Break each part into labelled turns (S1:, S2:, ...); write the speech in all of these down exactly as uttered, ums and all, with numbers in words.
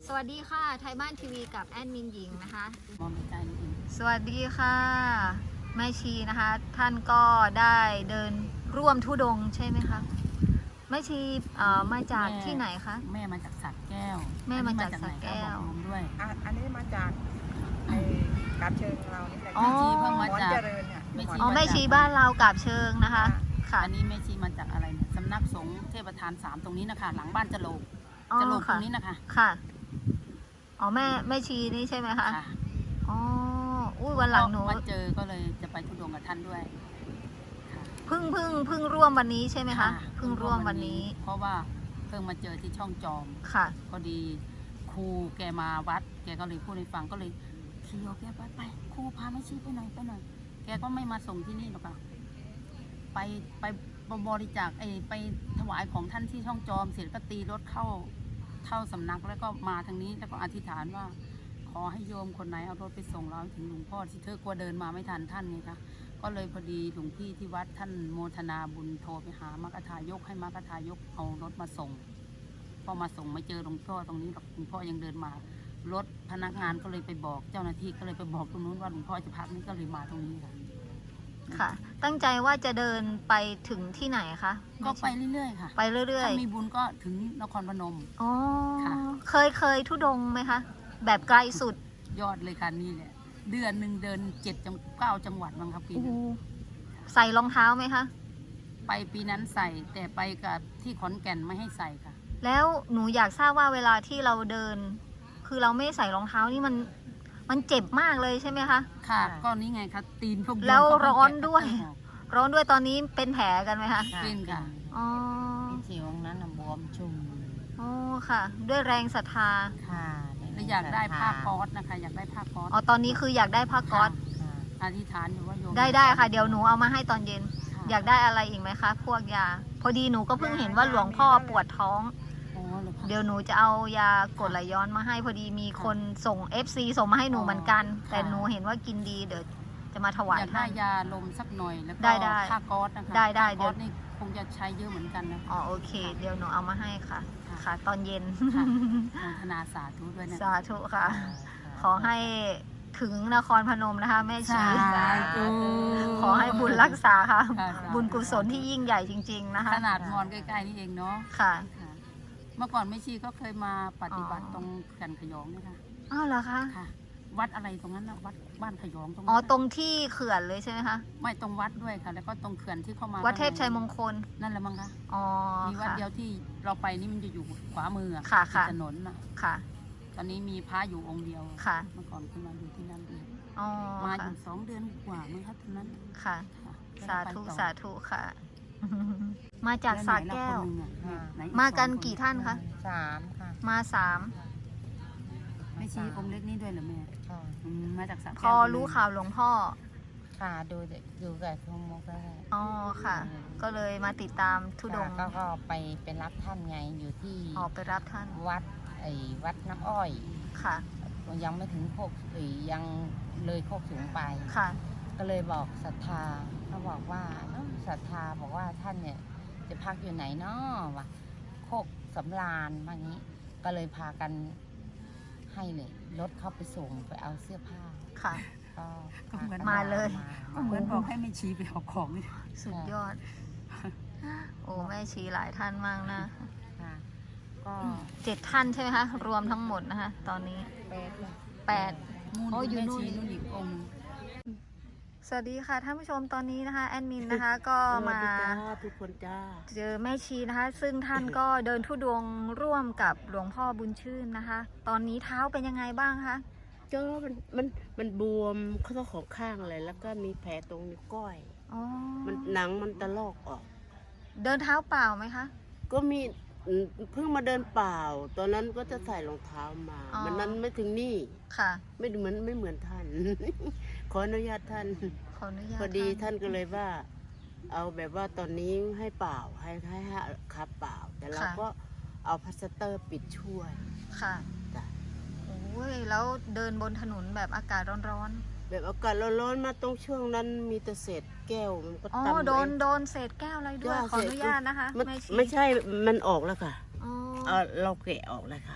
S1: สวัสดีค่ะไทยบ้านทีวีกับแอดมินหญิงนะคะ
S2: มองใกล้ๆนิดนึง
S1: สวัสดีค่ะแม่ชีนะคะท่านก็ได้เดินร่วมธุดงค์ใช่ไหมคะแม่ชีเอ่อมาจากที่ไหนคะ
S2: แม่มาจากสระแก้ว
S1: แม่มาจากสระแก้ว
S2: ด้วย
S3: อ่ะอันนี้มาจากไอ้กาบเชิงเรานี่แหละ
S1: อ๋อ
S2: แม่ชีเพิ่งมาจาก
S3: เจริญเนี่ย
S2: แม่ชี
S1: อ๋อแม่ชีบ้านเรากาบเชิงนะคะค่ะ
S2: อันนี้แม่ชีมาจากอะไรเนี่ยสำนักสงฆ์เทพทานสามตรงนี้นะคะหลังบ้านจะโลกจะโลกตรงนี้นะคะ
S1: ค่ะอ๋อแม่แม่ชีนี่ใช่ไหมคะ
S2: ค่ะ
S1: อ๋ออุ้ยวันหลังหนู
S2: มาเจอก็เลยจะไปธุดงค์กับท่านด้วย
S1: เพิ่งเพิ่งเพิ่งร่วมวันนี้ใช่ไหมคะเพิ่งร่วมวันนี้
S2: เพราะว่าเพิ่งมาเจอที่ช่องจอม
S1: ค่ะ
S2: พอดีครูแกมาวัดแกก็เลยพูดให้ฟังก็เลยขี่ออกแกไปไปครูพาแม่ชีไปหน่อยไปหน่อยแกก็ไม่มาส่งที่นี่หรอกค่ะไปไปบริจาคไอไปถวายของท่านที่ช่องจอมเสร็จก็ตีรถเข้าเข้าสำนักแล้วก็มาทางนี้แล้วก็อธิษฐานว่าขอให้โยมคนไหนเอารถไปส่งเราถึงหลวงพ่อที่เธอกลัวเดินมาไม่ทันท่านไงคะก็เลยพอดีหลวงพี่ที่วัดท่านโมทนาบุญโทรไปหามรรคทายกให้มรรคทายกเอารถมาส่งพอมาส่งไม่เจอหลวงพ่อตรงนี้หรอกหลวงพ่อยังเดินมารถพนักงานก็เลยไปบอกเจ้าหน้าที่ก็เลยไปบอกตรงนู้นว่าหลวงพ่อจะพักนี่ก็เลยมาตรงนี้ค่ะ
S1: ค่ะตั้งใจว่าจะเดินไปถึงที่ไหนคะ
S2: ก็ไปเรื่อยๆค่ะ
S1: ไปเรื่อยๆ
S2: ถ้ามีบุญก็ถึงนครพนม
S1: อ๋อ
S2: ค่ะ
S1: เคยเคยทุดงไหมคะแบบไกลสุด
S2: ยอดเลยค่ะนี่แหละเดือนหนึ่งเดินเจ็ดจังเก้าจังหวัดมั้งครับปีนี้
S1: ใส่รองเท้าไหมคะ
S2: ไปปีนั้นใส่แต่ไปกับที่ขอนแก่นไม่ให้ใส่ค่ะ
S1: แล้วหนูอยากทราบว่าเวลาที่เราเดิน คือเราไม่ใส่รองเท้านี่มันมันเจ็บมากเลยใช่ไหมคะ
S2: ค่ะก็นี่ไงคะตีนพวก
S1: แล้วร้อนด้วยร้อนด้วยตอนนี้เป็นแผลกันไหมคะ
S2: เป็นค่ะ
S1: อ๋อ
S3: สิวนั้นบวมชุ่ม
S1: อ๋อค่ะด้วยแรงศรัทธา
S3: ค่ะ
S2: แล้วอยากได้ผ้าก๊อซนะคะอยากได้ผ้าก๊อซ
S1: อ๋อตอนนี้คืออยากได้ผ้าก๊อซ
S2: อธิษฐานอยู่ว่าโยม
S1: ได้ได้ค่ะเดี๋ยวหนูเอามาให้ตอนเย็นอยากได้อะไรอีกไหมคะพวกยาพอดีหนูก็เพิ่งเห็นว่าหลวงพ่อปวดท้องเดี๋ยวหนูจะเอายากดไหลย้อนมาให้พอดีมีคนส่ง เอฟ ซี ส่งมาให้หนูเหมือนกันแต่หนูเห็นว่ากินดีเดี๋ยวจะมาถวาย
S2: อยากได้ยาลมสักหน่อยแล้วก็ผ้าก๊อซนะคะ
S1: ได้ได้
S2: เดี๋ยวนี่คงจะใช้เยอะเหมือนกันนะ
S1: อ๋อโอเคเดี๋ยวหนูเอามาให้ค่ะค่ะตอนเย็น
S2: โมทนาสาธุด้วยนะ
S1: สาธุค่ะขอให้ถึงนครพนมนะคะแม่ชีขอให้บุญรักษาค่ะบุญกุศลที่ยิ่งใหญ่จริงๆนะคะ
S2: ขนาดมอนใกล้ๆนี่เองเนาะ
S1: ค่ะ
S2: เมื่อก่อนแม่ชีก็เคยมาปฏิบัติตรงแก่นขยองนี่ค่ะ
S1: อ้าวเหรอคะ
S2: ค่ะวัดอะไรตรงนั้นนะวัดบ้านขยองตรง
S1: อ๋อตรงที่เขื่อนเลยใช่ไหมคะ
S2: ไม่ตรงวัดด้วยค่ะแล้วก็ตรงเขื่อนที่เข้ามา
S1: วัดเทพชัยมงคล
S2: นั่นแหละมั้งคะ
S1: อ๋อ
S2: มีวัดเดียวที่เราไปนี่มันจะอยู่ขวามือ
S1: ค่ะค่ะ
S2: ถนนน่ะ
S1: ค่ะ
S2: ตอนนี้มีพระอยู่องค์เดียว
S1: ค่ะ
S2: เมื่อก่อนขึ้นมาอยู่ที่นั่นเอง
S1: อ๋อ
S2: มาอยู่สองเดือนกว่ามั้งคะตอนนั้น
S1: ค่ะสาธุสาธุค่ะมาจากสระแก้วมากันกี่ท่านคะ
S3: สามค่ะ
S1: มาสาม
S2: ไม่ชี้องค์เล็กนี่ด้วยเหรอแม่มาจากสระแก้ว
S1: พอรู้ข่าวหลวงพ่อ
S3: ค่ะดูดูกับทงมกได้
S1: อ๋อค่ะก็เลยมาติดตามธุดงค์
S3: ก็ไปเป็นรับท่านไงอยู่ที่
S1: ออกไปรับท่าน
S3: วัดไอ้วัดน้ำอ้อย
S1: ค่ะ
S3: ยังไม่ถึงโคกหรือยังเลยโคกสูงไป
S1: ค่ะ
S3: ก็เลยบอกศรัทธาเขาบอกว่าศรัทธาบอกว่าท่านเนี่ยจะพักอยู่ไหนเนาะวะโคกสำราญว่างี้ก็เลยพากันให้เลยรถเข้าไปส่งไปเอาเสื้อผ้า
S1: ค่ะ
S3: ก็
S1: เหมือนมาเลย
S2: เหมือนบอกให้แม่ชีไปเอาของนี่
S1: สุดยอดโอ้แม่ชีหลายท่านมากนะ
S3: ก็
S1: เจ็ดท่านใช่ไหมคะรวมทั้งหมดนะคะตอนนี้แปด
S2: โอ้ยนู่นนู่นอีกองค์
S1: สวัสดีค่ะท่านผู้ชมตอนนี้นะคะแอดมินนะคะก็มา
S3: ทุกคนจ้า
S1: เจอแม่ชีนะคะซึ่งท่านก็เดินธุดงค์ร่วมกับหลวงพ่อบุญชื่นนะคะตอนนี้เท้าเป็นยังไงบ้างคะ
S3: ก็มันมันมันบวมข้อของข้างอะไรแล้วก็มีแผลตรงนิ้วก้อย
S1: อ๋อ
S3: มันหนังมันตะลอกออก
S1: เดินเท้าเปล่าไหมคะ
S3: ก็มีเพิ่งมาเดินเปล่าตอนนั้นก็จะใส่รองเท้ามามันนั้นไม่ถึงนี่
S1: ค่ะ
S3: ไม่เหมือนไม่เหมือนท่านขออนุญาตท่าน
S1: ขออนุญาต
S3: พอดีท่านก็เลยว่าเอาแบบว่าตอนนี้ให้เปล่าให้ให้ขับเปล่าแต่เราก็เอาพลาสเตอร์ปิดช่วย
S1: ค่ะโอ้ยแล้วเดินบนถนนแบบอากาศร้อนๆ
S3: แบบอากาศร้อนๆมาตรงช่วงนั้นมีแต่เศษแก้วมันก็
S1: อ๋อโดนโดนเศษแก้วอะไรด้วยขออนุญาตนะคะ
S3: ไม่ใช่มันออกแล้วค่ะอ๋อเราแกะออกแล้วค่ะ
S1: โอ้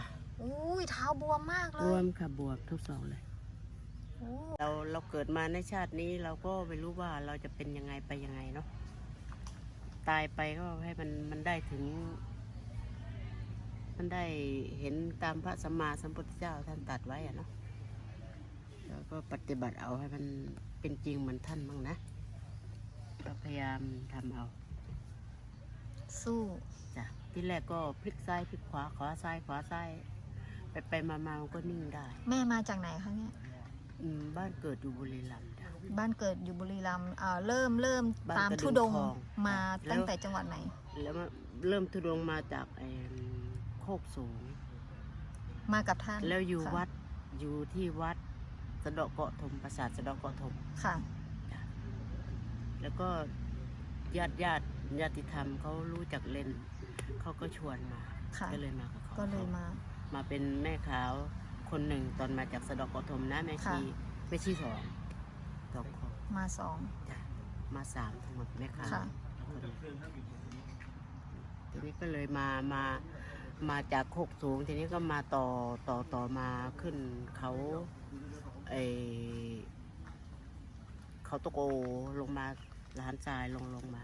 S1: อุ้ยเท้าบวมมากเล
S4: บวย มค่ะบวมทุกสองเลย
S1: โอ้
S4: เราเราเกิดมาในชาตินี้เราก็ไม่รู้ว่าเราจะเป็นยังไงไปยังไงเนาะตายไปก็ให้มันมันได้ถึง มันได้เห็นตามพระสัมมาสัมพุทธเจ้าท่านตรัสไว้อะเนาะแล้วก็ปฏิบัติเอาให้มันเป็นจริงเหมือนท่านบ้างนะก็พยายามทำเอา
S1: สู้
S4: จ้ะที่แรกก็พลิกซ้ายพลิกขวาขวาซ้ายขวาซ้ายไปไปมามามันก็นิ่งได้
S1: แม่มาจากไหนคะเนี่ย
S4: อืมบ้านเกิดอยู่บุรีรัมย์จ้ะ
S1: บ้านเกิดอยู่บุรีรัมย์อ่าเริ่มเริ่ม
S4: บ้าน
S1: ตาม
S4: กระดึง
S1: ทุดงค์
S4: ทอง
S1: มา
S4: แล้ว
S1: ตั้งแต่จังหวัดไหน
S4: แล้วมาเริ่มทุดงมาจากไอ้โคกสูง
S1: มากับท่าน
S4: แล้วอยู่
S1: ค่ะ
S4: วัดอยู่ที่วัดสะเดาะเกาะถมปราสาทสะเดาะเกาะถม
S1: ค่ะ
S4: แล้วก็ญาติญาติญาติธรรมเขารู้จักเล่นเขาก็ชวนมา
S1: ค่ะ
S4: ก็เลยมากับเขา
S1: ก็เลยมา
S4: มาเป็นแม่ขาวคนหนึ่งตอนมาจากสะเดาะเกาะถมนะแม่
S1: ค่ะ
S4: ชีแม่ชีสองสองคน
S1: มาสอง
S4: จ้ะมาสามทั้งหมดแม่ขาว
S1: ค่ะ
S4: คนหนึ่งทีนี้ก็เลยมามามาจากโคกสูงทีนี้ก็มาต่อต่อต่อมาขึ้นเขาไอเขาตะโกลงมาร้านทรายลงลงมา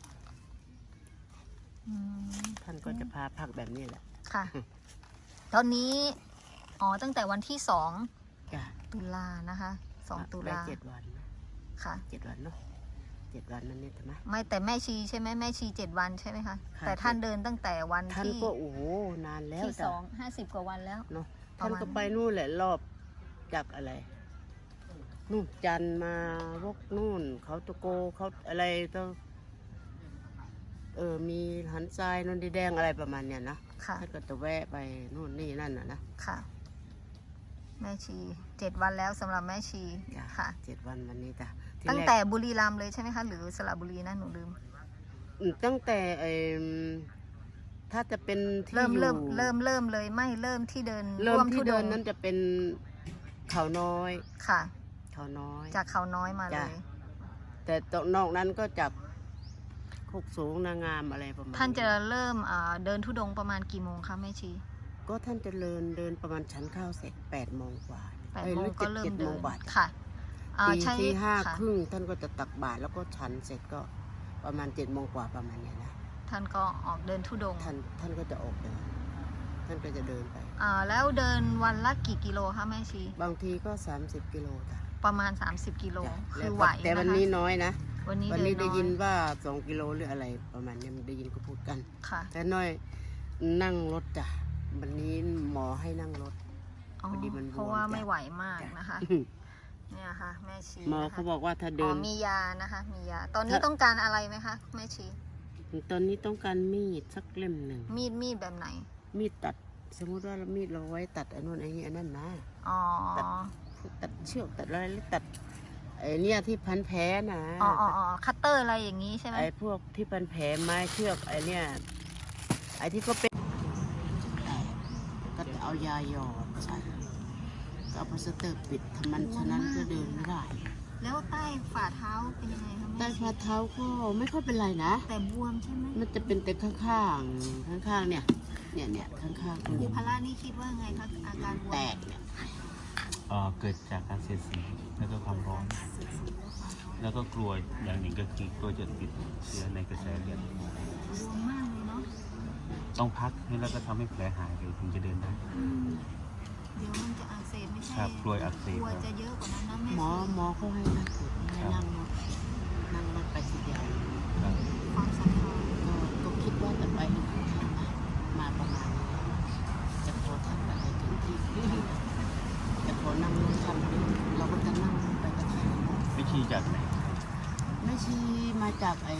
S1: อืม
S4: ท่านก็จะพาพักแบบนี้แหละ
S1: ค่ะ ตอนนี้ อ๋อ ตั้งแต่วันที่สอง
S4: จ้ะ
S1: ตุลานะคะ สองตุ
S4: ไป
S1: ลา
S4: เจ็ดวันนะ
S1: ค่ะ
S4: เจ็ดวันเนาะเจ็ดวันนั่นนี่ใช่ไหม
S1: ไม่แต่แม่ชีใช่ไหมแม่ชีเจ็ดวันใช่ไหมคะ
S4: ค่ะ
S1: แต่ท่านเดินตั้งแต่วัน
S4: ท่าน
S1: ที่
S4: ก็โอ้โหนานแล้ว
S1: ที่ส
S4: จ้ะ
S1: องห้าสิบกว่าวันแล้ว
S4: เนาะ
S1: ประ
S4: ท่าน
S1: มาณ
S4: ก็ไปนู่นแหละรอบจากอะไรนู่นจันทร์มาวกนู่น เขาตะโกเขาอะไรต้องเออมีหันทรายนนดิแดงอะไรประมาณเนี้ยนะ
S1: ค่ะ
S4: ท่านก็จะแวะไปนู่นนี่นั่นน่ะนะ
S1: ค่ะ แม่ชีเจ็ดวันแล้วสำหรับแม่ชี
S4: จ้ะ
S1: ค่ะ
S4: เจ็ดวันวันนี้จ้ะที
S1: ตั้ง
S4: รก
S1: แต่บุรีรัมย์เลยใช่ไหมคะ หรือสระบุรีนะหนูลืม
S4: อืมตั้งแต่เอมถ้าจะเป็นที่
S1: เริ่ม
S4: อยู่
S1: เริ่มเริ่มเริ่มเลยไม่เริ่มที่เดิน
S4: เริ่ม
S1: ร่วม
S4: ที่
S1: ธุด
S4: เดิ
S1: ง
S4: น
S1: ค์
S4: นั้นจะเป็นเขาน้อย
S1: ค่ะ
S4: เขาน้อย
S1: จากเขาน้อยมาเล
S4: จ้ะ
S1: ย
S4: แต่ตรงนอกนั้นก็จากโคกสูงนางงามอะไรประมาณ
S1: ท่านจะเริ่มอ่าเดินธุดงค์ประมาณกี่โมงคะแม่ชี
S4: ก็ท่านจะเดินเดินประมาณชั้นข้าวเสร็จแปดโมงกว่า
S1: แปด
S4: อ้ย
S1: โม
S4: ห
S1: ง
S4: รือ
S1: ก็
S4: จ็
S1: เริ่ม
S4: จ็
S1: เดิ
S4: โม
S1: น
S4: งกว่า
S1: ค่ะอ่า
S4: ตี
S1: ใช้
S4: ที่ห้า
S1: ค่ะ
S4: ครึ่งท่านก็จะตักบาตรแล้วก็ฉันเสร็จก็ประมาณเจ็ดโมงกว่าประมาณเนี้ยนะ
S1: ท่านก็ออกเดินธุดงค์
S4: ท่านท่านก็จะออกเดินท่านก็จะเดินไป
S1: อ่าแล้วเดินวันละกี่กิโลคะแม่ชี
S4: บางทีก็สามสิบกิโลจ้ะ
S1: ประมาณ สามสิบ กิโล
S4: จ้ะ
S1: คื
S4: แล้
S1: อ
S4: ว
S1: ไหว
S4: แต่วัน
S1: นะคะ
S4: นี้น้อยนะ
S1: วันนี้
S4: วัน
S1: เดิ
S4: นี้
S1: น
S4: ได้
S1: น้อ
S4: ยินว่าสองกิโลหรืออะไรประมาณเนี้ยได้ยินก็พูดกัน
S1: ค่ะ
S4: แต่น้อยนั่งรถจ้ะวันนี้หมอให้นั่งรถ
S1: อ๋อ
S4: พอดีมันบวม
S1: เพราะว่า
S4: จ้ะ
S1: ไม่ไหวมาก
S4: จ้ะ
S1: นะคะ เนี่ยค่ะ แม่ชี
S4: หมอ
S1: นะคะ
S4: เขาบอกว่าถ้า
S1: อ๋
S4: เดิ
S1: อน มียานะคะ มียา ตอนนี้
S4: ถ้า
S1: ต้องการอะไรไหมคะแม่ชี
S4: ตอนนี้ต้องการมีดสักเล่มหนึ่ง
S1: มีดมีดแบบไหน
S4: มีดตัด สมมติว่ามีดเราไว้ตัดอันนู้นไอ้นี่อันนั้นนะ
S1: อ๋อ
S4: ตัด ตัดเชือกตัดอะไรหรือตัดไอ้เนี่ยที่พันแผลนะ
S1: อ๋ออ๋ออ๋อคัตเตอร์อะไรอย่างนี้ใช่ไหม
S4: ไอ้พวกที่พันแผลไม้เชือกไอ้เนี่ยไอ้ที่ก็เป็นก็จะเอายาหยอดใส่ก็เอาพลาสเตอร์ปิดทำมันฉะนั้นก็เดินไม่ได้
S1: แล้วใต้ฝ่าเท้าเป็นยังไงคะ
S4: ใต้
S1: แม่ชี
S4: ฝ่าเท้าก็ไม่ค่อยเป็นไรนะ
S1: แต่บวมใช่ไหม
S4: มันจะเป็นแต่ข้างๆข้างๆเนี่ยเนี่ยเนี่ยข้างๆ
S1: ครูพละนี่คิดว่าไงคะอาการบวม
S4: แตกเนี่ย
S5: เอ่อเกิดจากการเสียดสีแล้วก็ความร้อน แล้วก็กลัวอย่างหนึ่งก็คือกลัวจะติดเชื้อในกระแสเลือด
S1: บวมมากเลยเนาะ
S5: ต้องพักแล้วก็ทำให้แผลหายไปถึงจะเดินได้
S1: อืมเดี๋ยวมันจะอักเสบไม่ใช่
S5: ครับกลัวอักเสบ
S1: กลัวจะเยอะกว่านั้นนะแม่
S4: หมอหมอเขาให้นั่งให้นั่งรถนั่งรถไปทีเดียว
S5: ครับ
S1: ความศรัทธา
S4: ก็ก็คิดว่าจะไปให้ท่านนะมาประมาณนี้จะขอท่านไปให้ถึงที่จะขอนั่งรถท่านเราก็จะนั่งไปกับท่าน
S5: ไม่ชี้จากไหน
S4: ไม่ใช่มาจากไอ้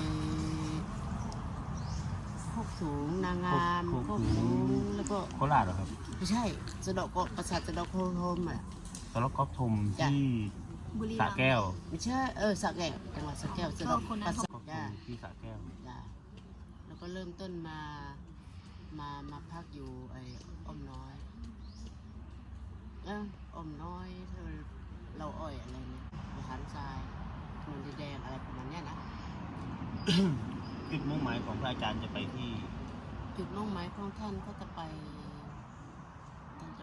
S4: โคกสูงนางงามโคกสูงแล้วก็
S5: โคราชเหรอครับ
S4: ไม่ใช่สะเดาะเกาะปราสาทสะเดาะโคโฮมอ่ะ
S5: สล็อกกอล์ฟทม
S4: จ้ะ
S5: ที่
S1: บุรี
S5: สระ
S1: รัมย์
S5: แก้ว
S4: ไม่ใช่เออสระแก้วจังหวัดสระแก้วสะเดาะ
S1: ก็คนนั้น
S4: ปรา
S1: เขา
S4: สาท
S5: กอล์ฟท
S4: จ้าม
S5: ที่สระแก้ว
S4: จ้าแล้วก็เริ่มต้นมามามาพักอยู่ไอ้อ้อมน้อยเอออ้อมน้อยเธอเราอ้อยอะไรเนี่ยอาหารทรายนนดินแดงอะไรประมาณเนี้ยนะ
S5: จุดมุ่งหมายของพระอาจารย์จะไปที่
S4: จุดมุ่งหมายของท่านก็จะไปท่าน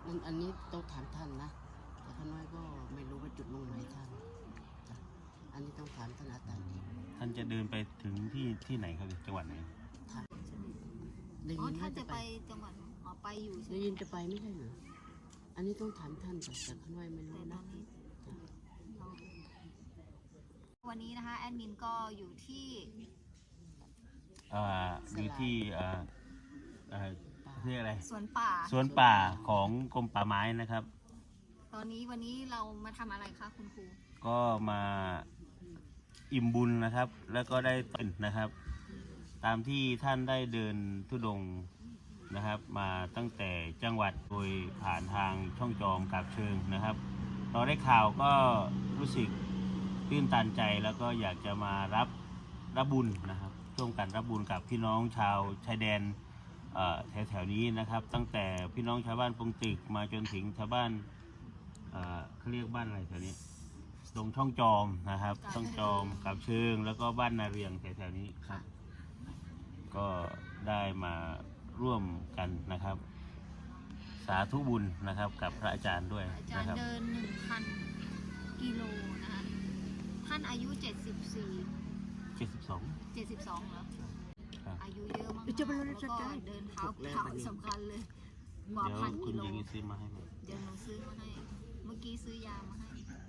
S4: อันอันนี้ต้องถามท่านนะแต่ข้าน้อยก็ไม่รู้ว่าจุดมุ่งหมายท่านจ้ะอันนี้ต้องถามท่านอาจารย์
S5: ท่านจะเดินไปถึงที่ที่ไหนครับจังหวัดไหน
S4: ได้
S1: อ๋อ
S4: ยิน
S1: ถ้า
S4: ว่า
S1: จะ
S4: จะ
S1: ไป
S4: ไป
S1: จังหวัดอ๋อไปอยู่ใช่
S4: ได้
S1: ไหม
S4: ยินจะไปไม่ใช่เหรออันนี้ต้องถามท่านก่อนแต่ข้าน้อยไม่
S1: แต่
S4: รู้
S1: ตอ
S4: นะ
S1: นนี้เราวันนี้นะคะแอดมินก็อยู่ที่
S5: อ่าอยู่ที่อ่าอ่าเรียกอะไร
S1: สวนป่า
S5: สวนป่าของกรมป่าไม้นะครับ
S1: ตอนนี้วันนี้เรามาทำอะไรคะคุณครู
S5: ก็มาอิ่มบุญนะครับ แล้วก็ได้ต้นนะครับ ตามที่ท่านได้เดินธุดงค์นะครับ มาตั้งแต่จังหวัดโดยผ่านทางช่องจอมกาบเชิงนะครับ เราได้ข่าวก็รู้สึกตื้นตันใจแล้วก็อยากจะมารับรับบุญนะครับร่วมกันรับบุญกับพี่น้องชาวชายแดนแถวแถวๆนี้นะครับ ตั้งแต่พี่น้องชาวบ้านปงตึกมาจนถึงชาวบ้านเอ่อเขาเรียกบ้านอะไรแถวนี้ตรงช่องจอมนะครับช่องจอมกาบเชิง แล้วก็บ้านนาเรียงแถวๆนี้ครับ ก็ได้มาร่วมกันนะครับ สาธุบุญนะครับกับพระอาจารย์ด้วย
S1: อาจาร
S5: นะ
S1: ย์
S5: ครับ
S1: เดินหนึ่งพันกิโลนะคะท่านอายุเจ็ดสิบสี่
S5: เจ็ดสิบสอง
S1: เจ็ดสิบสองเหรอ
S5: ครับ
S1: อายุเยอะมากๆแล้วก็เดินเท้าเท้าสำคัญเลยกว่า
S5: เดี๋ยว
S1: พัน
S5: คุ
S1: กิ
S5: ณ
S1: โล
S5: ยังซื้อมาให้ไหม
S1: เดี๋ยวหนูซื้อมาให้ เมื่อกี้ซื้อยามาให้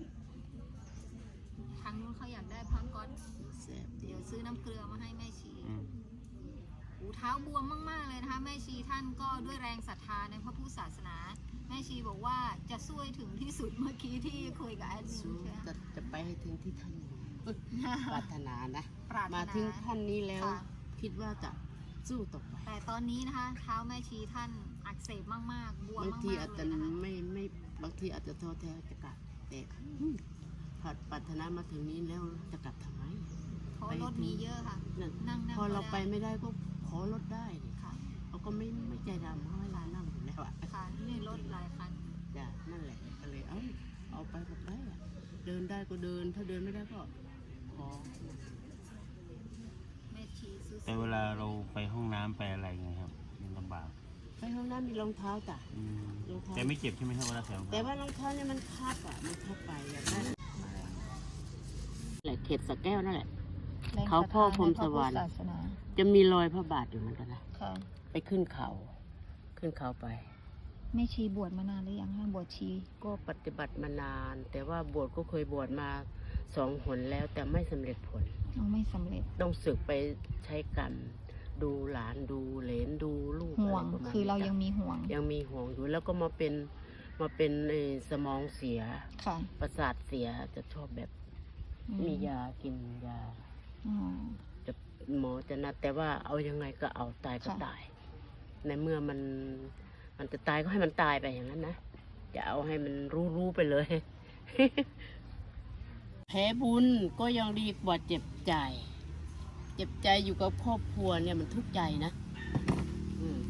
S1: ทางนู้นเขาอยากได้ผ้าก๊อต
S4: แซ่บ
S1: เดี๋ยวซื้อน้ำเกลือมาให้แม่ชี
S5: อืม
S1: หูเท้าบวมมากๆเลยนะคะแม่ชีท่านก็ด้วยแรงศรัทธาในพระพุทธศาสนา แม่ชีบอกว่าจะสู้ให้ถึงที่สุดเมื่อกี้ที่คุยกับแอดมิน
S4: สู้
S1: ใช่ไหม
S4: จะจะไปให้ถึงที่ท่านปรารถนานะ
S1: ปรารถ
S4: มา
S1: นา
S4: ถึงท่านนี้แล้ว
S1: ค่ะ
S4: คิดว่าจะสู้ต่อไป
S1: แต่ตอนนี้นะคะ เท้าแม่ชีท่านอักเสบมากๆ บวม
S4: บาง
S1: มาก
S4: ที
S1: ๆ
S4: อาจ
S1: เล
S4: จะ
S1: ยนะคะ
S4: ไม่ไม่บางทีอาจจะท้อแท้จะกลับแต่อืมพอปรารถนามาถึงนี้แล้วจะกลับทำไม
S1: เพราะรถมีเยอะค่ะ
S4: นั่น
S1: นั่งนั่ง
S4: พอเราไป
S1: ม่ด้
S4: ไม่ได้ก็ขอรถได้นี่
S1: ค่ะ
S4: เขาก็ไม่ไม่ใจดำเพราะเวลานั่งอยู่แล้วอะ
S1: ค่ะนี่รถหลายคัน
S4: จ้ะนั่นแหละก็เลยเอ้าเอาไปก็ไปอะเดินได้ก็เดิน ถ้าเดินไม่ได้ก็ขอ
S1: แม่ชีซื้อ
S5: แต่เวลาเราไปห้องน้ำไปอะไรไงครับมันลำบาก
S4: ไปห้องน้ำมีรองเท้าจ้ะ
S5: อืม
S4: รองเท้า
S5: แต่ไม่เจ็บใช่ไหมครับเวลาใส่รอง
S4: แต่
S5: เท้า
S4: ว่ารองเท้าเนี่ยมันคับอ่ะมันคับไปอยากได้แหละเขตสระแก้วนั่นแหละ เขาพ่อพรหมสวรรค์
S1: ศาสนา
S4: จะมีรอยพระบาทอยู่เหมือนกันนะ
S1: ค่ะ
S4: ไปขึ้นเขา ขึ้นเขาไป
S1: แม่ชีบวชมานานหรือยังคะบวชชี
S4: ก็ปฏิบัติมานาน แต่ว่าบวชก็เคยบวชมาสองหนแล้วแต่ไม่สำเร็จผล
S1: ยังไม่สำเร็จ
S4: ต้องศึกไปใช้กรรม ดูหลานดูเหลนดูลูก
S1: ห่วง
S4: ะไประมณ
S1: คือเรา
S4: นี้
S1: ยังมีห่วง
S4: ยังมีห่วงอยู่แล้วก็มาเป็นมาเป็นเอ่อสมองเสีย
S1: ค่ะ
S4: ประสาทเสียจะชอบแบบ
S1: อื
S4: มียากินยา
S1: อ๋อ
S4: จะหมอจะนัดแต่ว่าเอายังไงก็เอาตายก็
S1: ค่ะ
S4: ตาย ในเมื่อมันมันจะตายก็ให้มันตายไปอย่างนั้นนะอย่าเอาให้มันรู้รู้ไปเลย แผลบุญก็ยังดีกว่าเจ็บใจ เจ็บใจอยู่กับครอบครัวเนี่ยมันทุกข์ใจนะอืม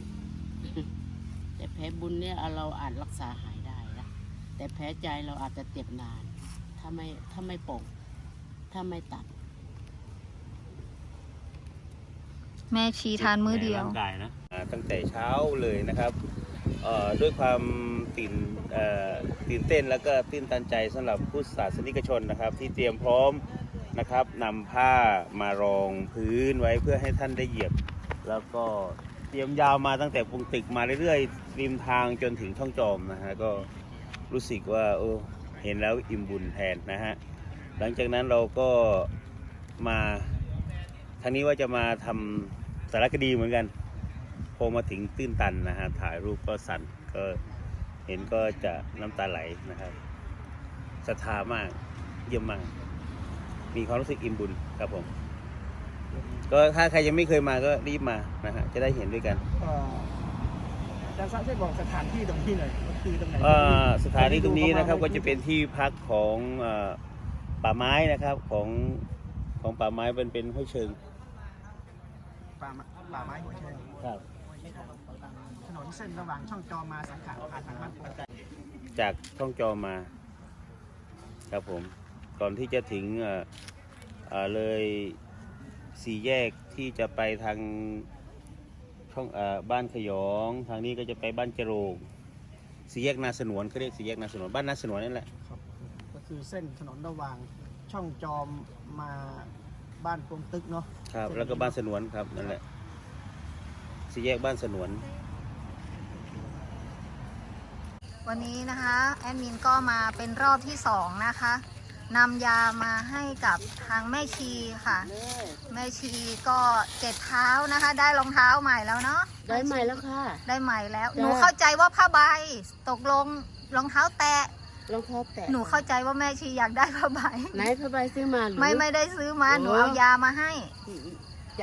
S4: แต่แผลบุญเนี่ยเราอาจรักษาหายได้นะแต่แผลใจเราอาจจะเจ็บนาน ถ้าไม่ถ้าไม่ปกถ้าไม่ตัด
S1: แม่ชีทานมื้อเดียว
S5: ในร่างกายนะอ่าตั้งแต่เช้าเลยนะครับเอ่อด้วยความตื่นเอ่อตื่นเต้นแล้วก็ตื่นตันใจสำหรับผู้ศาสนิกชนนะครับ ที่เตรียมพร้อมนะครับนำผ้ามารองพื้นไว้เพื่อให้ท่านได้เหยียบ แล้วก็เตรียมยาวมาตั้งแต่ปงตึกมาเรื่อยๆริมทางจนถึงช่องจอมนะฮะก็รู้สึกว่าโอ้เห็นแล้วอิ่มบุญแทนนะฮะหลังจากนั้นเราก็มาทางนี้ว่าจะมาทำสารคดีเหมือนกัน พอมาถึงตื้นตันนะฮะถ่ายรูปก็สั่นก็เห็นก็จะน้ำตาไหลนะครับศรัทธามากเยี่ยมมากมีความรู้สึกอิ่มบุญครับผมก็ถ้าใครยังไม่เคยมาก็รีบมานะฮะจะได้เห็นด้วยกัน
S6: เอ่ออาจารย์ทราบช่วยบอกสถานที่ตรงที่หน่อยก็คือตรงไหน
S5: เอ่อสถานที่ตรงนี้นะครับก็จะเป็นที่พักของเอ่อป่าไม้นะครับของของป่าไม้เป็นเป็นห้วยเชิง
S6: ป่าไม้ป่าไม้หัวเชิง
S5: ครับ
S6: ถนนเส้นระหว่างช่องจอมมาสังขารผ่านทางบ้านโป่ง
S5: จากช่องจอมาครับผมก่อนที่จะถึงเอ่อเอ่อเลยสี่แยกที่จะไปทางช่องเอ่อบ้านขยองทางนี้ก็จะไปบ้านจโรงสี่แยกนาสนวนเขาเรียกสี่แยกนาสนวนบ้านนาสนวนนั่นแหละ
S6: ครับก็คือเส้นถนนระหว่างช่องจอมมาบ้านปงตึกเนาะ
S5: ครับแล้วก็บ้านสนวนครับนั่นแหละสี่แยกบ้านสนวน
S1: วันนี้นะคะแอดมินก็มาเป็นรอบที่สองนะคะนำยามาให้กับทางแม่ชีค่ะ แม่ชีก็เจ็ดเท้านะคะ ได้รองเท้าใหม่แล้วเนาะ
S4: ได้ใหม่แล้วค่ะ
S1: ได้ใหม่แล้ว
S4: จ้ะ
S1: หนูเข้าใจว่าผ้าใบตกลงรองเท้าแตะ
S4: รองเท้าแตะ
S1: หนูเข้าใจว่าแม่ชีอยากได้ผ้าใบ
S4: ไหนผ้าใบซื้อมาหรือ
S1: ไม่ไม่ได้ซื้อมา
S4: โอ้
S1: หนูเอายามาให้
S4: จะ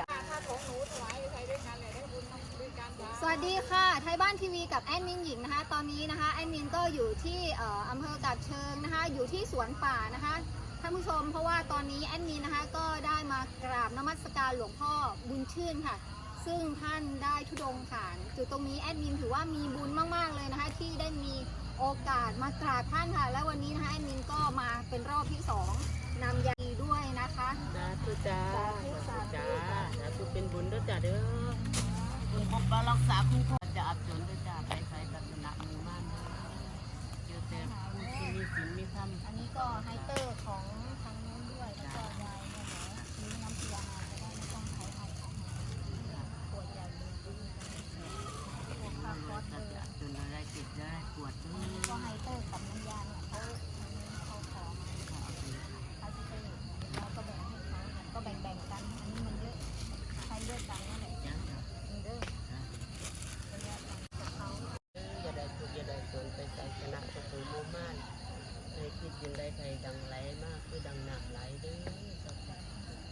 S1: สวัสดีค่ะ ไทยบ้านทีวีกับแอดมินหญิงนะคะ ตอนนี้นะคะแอดมินก็อยู่ที่เอ่ออำเภอกาบเชิงนะคะ อยู่ที่สวนป่านะคะท่านผู้ชมเพราะว่าตอนนี้แอดมินนะคะก็ได้มากราบนมัสการหลวงพ่อบุญชื่นค่ะ ซึ่งท่านได้ธุดงค์ผ่านจุดตรงนี้แอดมินถือว่ามีบุญมากๆเลยนะคะ ที่ได้มีโอกาสมากราบท่านค่ะ และวันนี้นะคะแอดมินก็มาเป็นรอบที่สองนำยาด้วยนะคะ
S4: สาธุจ้า
S1: สาธุสาธุ
S4: จ้าสาธุเป็นบุญด้วยจ้าเด้อบุญปกปักรักษาคุ้มครองจะอับจนด้วยจ้าไปใส่ศาสนาหมู่มั่นเจอแต่ผู้ที่มีศีลมีธรรม
S1: อันนี้ก็ไฮเตอร์ของทางนู้นด้วยแล้วก็ยายเนี่ยนะซื้อน้ำเกลือมาจะได้ไม่ต้องใช้เอาของปวดใหญ่เลยพวกผ้าคอส
S4: จะ
S1: เลย
S4: อับจนอะไรเจ็บอะไรปวดด้ว
S1: อันนี้ก็ไฮเตอร์กับน้ำยาเนี่ยเขาเขาขอมาเขาจะไปเราก็แบ่งให้เขาก็แบ่งแบ่งๆกัน อันนี้มันเยอะใช้ด้วยกันนั่นแหละ
S4: จ้า
S1: มันเด้อระยะกันกับเขา
S4: อย่าได้ทุกข์อย่าได้จนไปใส่ชนะสุขหมู่มั่นให้คิดยินได้ใครดังไหลมากคือดังหนักไหลเด้อสัพพะ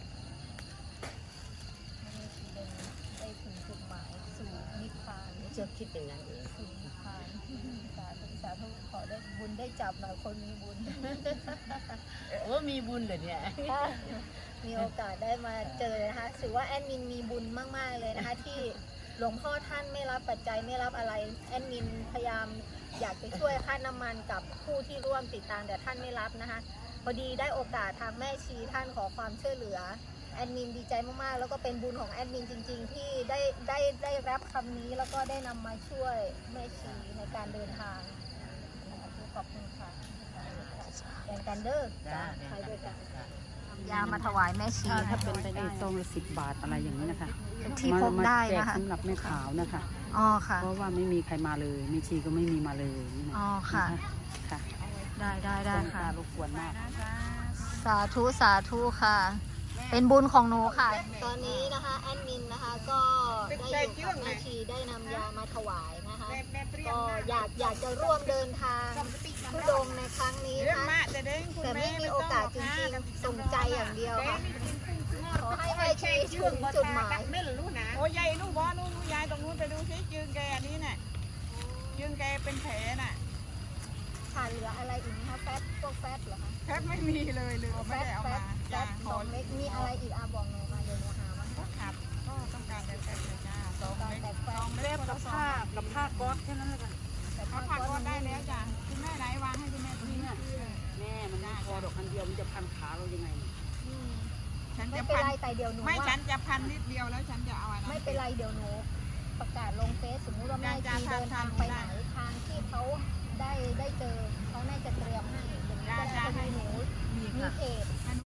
S1: ไม่ได้ทีเดินได้ถึงจุดหมายสู่นิพพาน
S4: เจ้าคิดอย่างนั้นเอง
S1: สู่นิพพานสาธุสาธุขอได้บุญได้จับหน่อยคนมีบุญ
S4: โอ้มีบุญเหรอเนี่ย
S1: มีโอกาสได้มาเจอนะคะถือว่าแอดมินมีบุญมากๆเลยนะคะ ที่หลวงพ่อท่านไม่รับปัจจัยไม่รับอะไรแอดมินพยายามอยากจะช่วยค่าน้ำมันกับผู้ที่ร่วมติดตามแต่ท่านไม่รับนะคะ พอดีได้โอกาสทางแม่ชีท่านขอความช่วยเหลือแอดมินดีใจมากๆแล้วก็เป็นบุญของแอดมินจริง ๆ ที่ได้ได้ได้รับคำนี้แล้วก็ได้นำมาช่วยแม่ชีในการเดินทางขอบคุณค่ะแบ่งกันเด้อ
S4: จ้า
S1: ใช้ด้วยกันยามาถวายแม่ชี
S2: ถ้าถ้าเป็นไปได้ซองละสิบบาทอะไรอย่างนี้นะคะ
S1: ที่พกได้
S2: มาแจก
S1: นะคะ
S2: สำหรับแม่ขาวนะคะ
S1: อ๋อค่ะ
S2: เพราะว่าไม่มีใครมาเลยแม่ชีก็ไม่มีมาเลยนี่นะ
S1: อ๋อค่ะ
S2: ค่ะ
S1: ได้ได้ได้ค่ะ
S2: รบกวนมาก
S1: สาธุสาธุค่ะ เป็นบุญของหนูค่ะ ตอนนี้นะคะแอดมินนะคะก็ได้อยู่กับแม่ชีได้นำยามาถวายนะคะ ก็อยากอยากจะร่วมเดินทางทุดงค์ในครั้งนี้นะคะแต่ไม่มีโอกาสจริงๆส่งใจอย่างเดียวค่ะขอให้แม่ชีถึงจุดหมาย
S7: ไม่รู้นะโอ้ยายนู่นบอนู่นนู่นยายตรงนู้นไปดูซิยืนแกอันนี้น่ะยืนแกเป็นแผลน่ะ
S1: ขาดเหลืออะไรอีกไหมคะแฟตพวกแฟตเหรอคะ
S7: แทบไม่มีเลยเลย
S1: แฟ
S7: ไม่
S1: ต
S7: ได้เอา
S1: แฟ
S7: มา
S1: ตแฟ
S7: จ้า
S1: ต
S7: ข
S1: ส
S7: อ
S1: องเม็ดมีอะไรอีกอาบอกหนูมาเดี๋ยวหนูหามาให้
S7: ครับก็ต้องการแต่แฟเลยจ้าสอง
S1: ตอน
S7: เม็ด
S1: แต่แฟ
S7: สอ
S1: ต
S7: งเม็ดกับผ้ากับผ้าก๊อซแค่นั้นเลยค่ะ
S1: แต่
S7: ผ้า
S1: ผ้า
S7: ผ้า
S1: ก๊อ
S7: ก๊อ
S1: ซ
S7: ซได้แล้วจ้าคุณแม่ไหนวางให้คุณแม่ตรงนี้
S2: แม่มันไม่พอดอกอันเดียวมันจะพันขาเรายังไง
S1: อืม
S7: ฉัน
S1: ไม่
S7: จะ
S1: เป็น
S7: พัน
S1: ไรแต่เดี๋ยวหนู
S7: ไม่
S1: ว่า
S7: ฉันจะพันนิดเดียวแล้วฉันจะเอาอะไร
S1: ไม่เป็นไรเดี๋ยวหนูประกาศลงเฟซสมมุติว่าแม่
S7: จ้า
S1: ชี
S7: จ้า
S1: เดินทาง
S7: ทาง
S1: ไป
S7: ได้
S1: ไหนทางที่เขาได้ได้เจอเขาน่าจะเตรียมให้อย่างนี้ก็ได้พอดีหนูมีเพจ